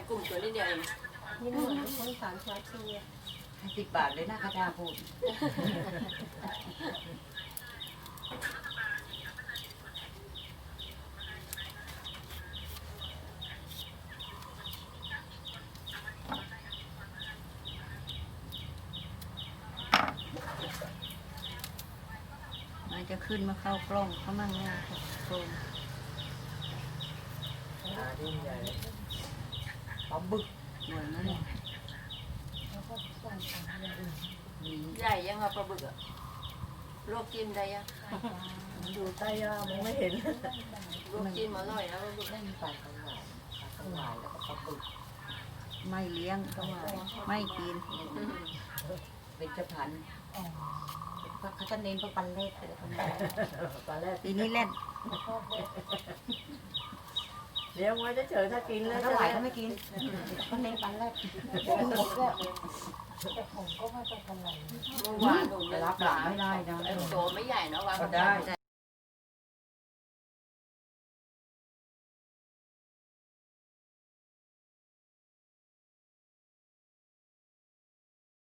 กลุ่มตัวนิดเดียวเองนี่เหมือนคนสามชาติ 10 บาทเลยนะกระดาพูดมันจะขึ้นมาเข้ากล้องเขามั่งนะโซนยิ่งใหญ่ปลาบึกสวยนะเนี่ยใหญ่ยังอะปลาบึกอะลวกจิ้มได้ยังอยู่ใต้ย่ามองไม่เห็นลวกจิ้มอร่อยนะปลาบึกไม่มีปลาสวายปลาสวายแล้วก็ปลาบึกไม่เลี้ยงก็ว่าไม่กิน เป็นจะพันเขาจะเน้นพวกปันเล็กเลยปลาแรกปีนี้เล่นเลี้ยงไว้เฉยๆถ้ากินแล้วถ้าไหวก็ไม่กินเขาเน้นปันเล็กแต่ผมก็ไม่เป็นไรเมื่อวานหนูรับหลังไม่ได้นะโตไม่ใหญ่เนาะวางก็ได้